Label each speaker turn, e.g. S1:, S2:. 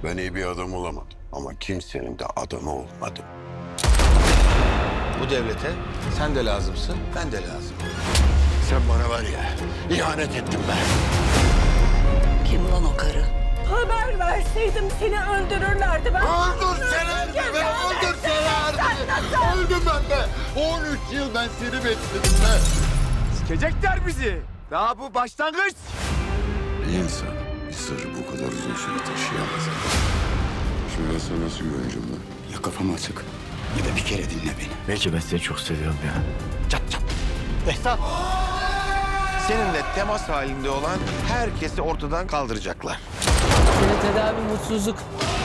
S1: Ben iyi bir adam olamadım ama kimsenin de adamı olmadım.
S2: Bu devlete sen de lazımsın, ben de lazım.
S1: Sen bana var ya, ihanet ettin be.
S3: Kim lan o karı?
S4: Haber verseydim seni öldürürlerdi ben.
S1: Öldürselerdi be, öldürselerdi. Öldüm ben be. 13 yıl ben seni bekledim be.
S5: Sikecekler bizi. Daha bu başlangıç.
S1: Bir insan bir sırrı bu kadar uzun süre taşıyamaz. Şimdi ben sana nasıl güveneceğim lan?
S6: Ya kafam açık ya da bir kere dinle beni.
S5: Belki ben seni çok seviyorum ya.
S2: Behzat! Seninle temas halinde olan herkesi ortadan kaldıracaklar.
S7: Senin tedavi mutsuzluk.